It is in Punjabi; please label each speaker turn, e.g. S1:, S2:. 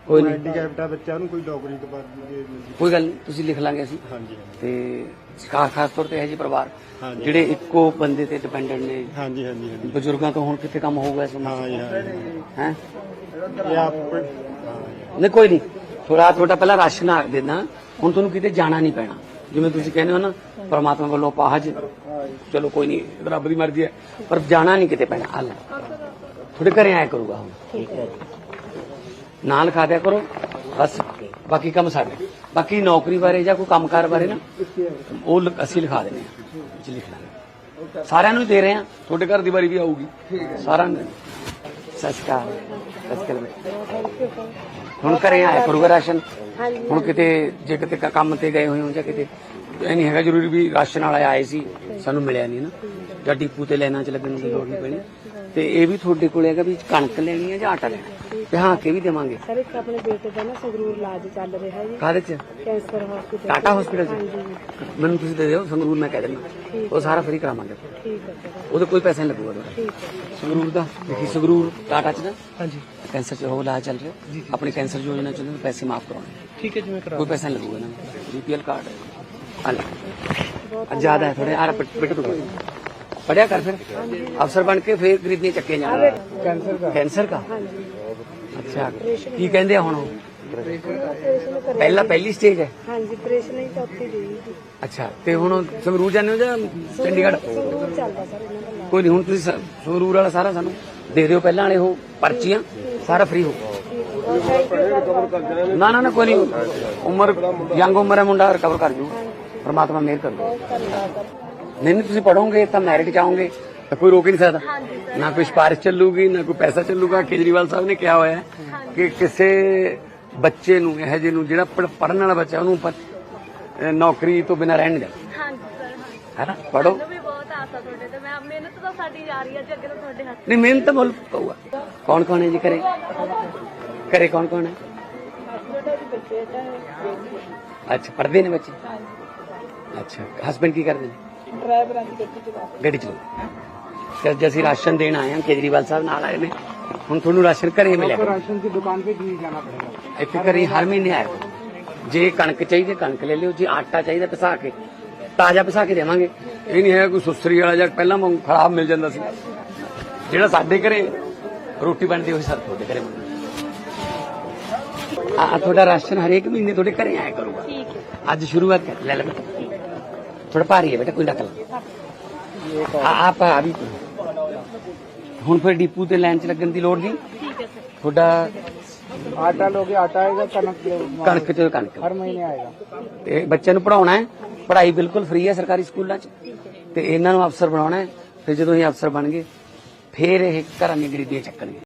S1: ਕੋਈ ਨਹੀਂ
S2: ਹੈਂਡੀਕੈਪਟ ਆ ਬੱਚਾ, ਉਹਨੂੰ ਕੋਈ ਨੌਕਰੀ ਦਵਾ ਦੇ।
S1: ਕੋਈ ਗੱਲ ਨਹੀਂ, ਤੁਸੀਂ ਲਿਖ ਲਾਂਗੇ ਅਸੀਂ।
S2: ਹਾਂਜੀ
S1: ਤੇ ਖਾਸ ਤੌਰ ਤੇ ਇਹ ਜਿਹੇ ਪਰਿਵਾਰ
S2: ਹਾਂਜੀ।
S1: ਜਿਹੜੇ ਇੱਕੋ ਬੰਦੇ ਤੇ ਡਿਪੈਂਡੈਂਟ ਨੇ,
S2: ਹਾਂਜੀ ਹਾਂਜੀ ਹਾਂਜੀ
S1: ਬਜ਼ੁਰਗਾਂ ਤੋਂ ਹੁਣ ਕਿੱਥੇ ਕੰਮ ਹੋਊਗਾ ਇਸ
S2: ਹਾਂ ਜੀ ਹਾਂ ਜੀ।
S1: ਹੈ।
S2: ਇਹ ਆਪ
S1: ਨਹੀਂ ਕੋਈ ਨਹੀਂ, ਥੋੜਾ ਪਹਿਲਾਂ ਰਾਸ਼ਨ ਆ ਦੇਣਾ, ਹੁਣ ਤੁਹਾਨੂੰ ਕਿਤੇ ਜਾਣਾ ਨਹੀਂ ਪੈਣਾ। ਜਿਵੇਂ ਤੁਸੀਂ ਕਹਿੰਦੇ ਹੋ ਨਾ, ਪਰਮਾਤਮਾ ਵੱਲੋਂ ਪਾਹਜ, ਚਲੋ ਕੋਈ ਨਹੀਂ, ਰੱਬ ਦੀ ਮਰਜ਼ੀ ਹੈ, ਪਰ ਜਾਣਾ ਨਹੀਂ ਕਿਤੇ ਪੈਣਾ। ਹੱਲ ਤੁਹਾਡੇ ਘਰੇ ਆਇਆ ਕਰੂਗਾ ਹੁਣ, ਨਾਲ ਖਾ ਦਿਆ ਕਰੋ ਬਸ। ਬਾਕੀ ਕੰਮ ਸਾਡੇ, ਬਾਕੀ ਨੌਕਰੀ ਬਾਰੇ ਜਾਂ ਕੋਈ ਕੰਮਕਾਰ ਬਾਰੇ ਨਾ, ਉਹ ਅਸੀਂ ਲਿਖਾ ਦਿੰਦੇ ਹਾਂ, ਵਿੱਚ ਲਿਖ ਲਾਂਗੇ। ਸਾਰਿਆਂ ਨੂੰ ਹੀ ਦੇ ਰਹੇ ਹਾਂ, ਤੁਹਾਡੇ ਘਰ ਦੀ ਵਾਰੀ ਵੀ ਆਊਗੀ ਸਾਰਿਆਂ ਨੂੰ। ਸਤਿ ਸ਼੍ਰੀ ਅਕਾਲ। ਸਤਿ ਸ਼੍ਰੀ ਅਕਾਲ। ਹੁਣ ਘਰੇ ਆਇਆ ਕਰੂਗਾ ਰਾਸ਼ਨ। ਹੁਣ ਕਿਤੇ ਜੇ ਕਿਤੇ ਕੰਮ ਤੇ ਗਏ ਹੋਏ ਹੋ ਜਾਂ ਕਿਤੇ, ਇਹ ਨਹੀਂ ਹੈਗਾ ਜ਼ਰੂਰੀ ਵੀ ਰਾਸ਼ਨ ਵਾਲਾ ਆਏ ਸੀ ਸਾਨੂੰ ਮਿਲਿਆ ਨਹੀਂ ਨਾ, ਜਾਂ ਡਿਪੂ ਤੇ ਲੈਣਾ ਚ ਲੱਗਣ ਦੀ ਲੋੜ ਨਹੀਂ ਪੈਣੀ। ਤੇ ਇਹ ਵੀ ਤੁਹਾਡੇ ਕੋਲ ਹੈਗਾ ਵੀ ਕਣਕ ਲੈਣੀ ਹੈ ਜਾਂ ਆਟਾ ਲੈਣਾ, ਤੇ ਹਾਂ ਕੇ ਵੀ ਦੇਵਾਂਗੇ।
S3: ਸਰ ਇੱਕ ਆਪਣੇ ਬੇਟੇ ਦਾ ਨਾ ਸੰਗਰੂਰ ਇਲਾਜ ਚੱਲ ਰਿਹਾ ਜੀ,
S1: ਕਾਹਦੇ ਚ?
S3: ਕੈਂਸਰ ਹਸਪੀਟਲ,
S1: ਟਾਟਾ ਹਸਪੀਟਲ ਚ। ਮੈਨੂੰ ਤੁਸੀਂ ਦੇ ਦਿਓ ਸੰਗਰੂਰ, ਮੈਂ ਕਹਿ ਦਿੰਦਾ ਉਹ ਸਾਰਾ ਫ੍ਰੀ ਕਰਾਵਾਂਗੇ।
S3: ਠੀਕ ਹੈ ਸਰ,
S1: ਉਹਦੇ ਕੋਈ ਪੈਸਾ ਨਹੀਂ ਲੱਗੂਗਾ ਤੁਹਾਡਾ।
S3: ਠੀਕ ਹੈ
S1: ਸੰਗਰੂਰ ਦਾ ਦੇਖੀ, ਸੰਗਰੂਰ ਟਾਟਾ ਚ ਨਾ
S4: ਹਾਂਜੀ
S1: ਕੈਂਸਰ ਚ ਉਹ ਇਲਾਜ ਚੱਲ ਰਿਹਾ, ਆਪਣੀ ਕੈਂਸਰ ਯੋਜਨਾ ਚ ਪੈਸੇ ਮਾਫ ਕਰਾਉਣੇ,
S4: ठीक है जी मैं करा
S1: ਕੋਈ ਪੈਸਾ ਨਹੀਂ ਲੱਗੂਗਾ ਨਾ। BPL ਕਾਰਡ ਹੈ, ਜ਼ਿਆਦਾ ਹੈ ਥੋੜੇ। ਆ ਬੇਟੇ ਤੂੰ पढ़िया कर, फिर अफसर बन के फिर खरीदने चक्के जाना। कैंसर का अच्छा की कहते हैं हुण? पहली स्टेज है।
S3: हाँ जी, ऑपरेशन ही चौथी दी जी।
S1: अच्छा ते हुण संगरूर जाने हो जां चंडीगढ़?
S3: संगरूर चलदा सर इन्हां दा इलाज।
S1: कोई नहीं, हुण तुसीं संगरूर वाला सारा सानू दे दिओ पहलां वाले हो पर्चियां, सारा फ्री हो। ना ना ना कोई नहीं, उम्र यंग उम्र है, मुंडा रिकवर कर जू, परमात्मा मेहर करू। नहीं ਤੁਸੀਂ ਪੜੋਗੇ ਤਾਂ ਮੈਰਿਟ ਚਾਹੋਗੇ ਤਾਂ ਕੋਈ ਰੋਕ ਹੀ ਨਹੀਂ ਸਕਦਾ। ਨਾ ਕੋਈ ਸਿਫਾਰਿਸ਼ ਚੱਲੂਗੀ, ਨਾ ਕੋਈ ਪੈਸਾ ਚੱਲੂਗਾ। ਕੇਜਰੀਵਾਲ ਸਾਹਿਬ ਨੇ ਕਿਹਾ ਹੋਇਆ ਹੈ ਕਿ ਕਿਸੇ ਬੱਚੇ ਨੂੰ, ਇਹੋ ਜਿਹੇ ਨੂੰ ਜਿਹੜਾ ਪੜਨ ਵਾਲਾ ਬੱਚਾ, ਉਹਨੂੰ ਨੌਕਰੀ ਤੋਂ ਬਿਨਾਂ ਰਹਿਣ ਨਹੀਂ ਦੇਣਾ।
S5: ਹਾਂਜੀ ਸਰ,
S1: ਹੈ ਨਾ, ਪੜੋ।
S5: ਮੈਨੂੰ ਵੀ ਬਹੁਤ ਆਸ ਆ ਤੁਹਾਡੇ ਤੇ। ਮੈਂ ਮਿਹਨਤ ਤਾਂ ਸਾਡੀ ਜਾ ਰਹੀ ਹੈ ਜੀ, ਅੱਗੇ ਤਾਂ ਤੁਹਾਡੇ ਹੱਥ।
S1: ਨਹੀਂ ਮਿਹਨਤ ਮੁੱਲ ਪਊਗਾ। ਕੌਣ ਕੌਣ ਹੈ ਜੀ ਘਰੇ? ਘਰੇ ਕੌਣ ਕੌਣ ਹੈ? ਅੱਛਾ, ਪੜ੍ਹਦੇ ਨੇ ਬੱਚੇ? ਅੱਛਾ, ਹਸਬੈਂਡ ਕੀ ਕਰਦੇ ਨੇ?
S3: ਡਰਾਈਵਰਾਂ ਦੀ ਗੱਡੀ ਚਲਾ।
S1: ਗੱਡੀ ਚਲਾਓ। ਅੱਜ ਅਸੀਂ ਰਾਸ਼ਨ ਦੇਣ ਆਏ ਹਾਂ, ਕੇਜਰੀਵਾਲ ਸਾਹਿਬ ਨਾਲ ਆਏ ਨੇ। ਹੁਣ ਤੁਹਾਨੂੰ ਰਾਸ਼ਨ ਘਰੇ ਮਿਲਿਆ
S4: राशन की दुकान पे नहीं जाना पड़ेगा।
S1: ਇੱਥੇ ਘਰੇ ਹਰ ਮਹੀਨੇ ਆਇਆ ਕਰੋ। ਜੇ ਕਣਕ ਚਾਹੀਦੀ ਕਣਕ ਲੈ ਲਿਓ, ਜੇ ਆਟਾ ਚਾਹੀਦਾ ਪਿਸਾ ਕੇ, ਤਾਜ਼ਾ ਪਿਸਾ ਕੇ ਦੇਵਾਂਗੇ। ਇਹ ਨਹੀਂ ਹੈ ਕੋਈ ਸੁਸਰੀ ਵਾਲਾ ਜਾਂ ਪਹਿਲਾਂ ਵਾਂਗ ਖਰਾਬ ਮਿਲ ਜਾਂਦਾ ਸੀ। ਜਿਹੜਾ ਸਾਡੇ ਘਰੇ ਰੋਟੀ ਬਣਦੀ ਹੋਈ ਸਰ ਤੁਹਾਡੇ ਘਰੇ ਆ। ਤੁਹਾਡਾ ਰਾਸ਼ਨ ਹਰੇਕ ਮਹੀਨੇ ਤੁਹਾਡੇ ਘਰੇ ਆਇਆ ਕਰੂਗਾ। ਅੱਜ ਸ਼ੁਰੂਆਤ ਕਰ ਲੈ ਲੈ। थोड़ा भारी है बेटा, कोई रख लो। आप अभी हुण फिर डिपू ते लाइन च लगन दी लोड़ नहीं। थोड़ा
S4: आटा लोगे, आटा आएगा, कनक
S1: कणक च कणक
S4: हर महीने आएगा।
S1: ते बच्चे नूं पढ़ाउणा है, पढ़ाई बिल्कुल फ्री है सरकारी स्कूलों च। ते इन्हां नूं अफसर बनाउणा है। फिर जदों ये अफसर बन गए फिर ये घरां दी गरीबियां चक्कणगे।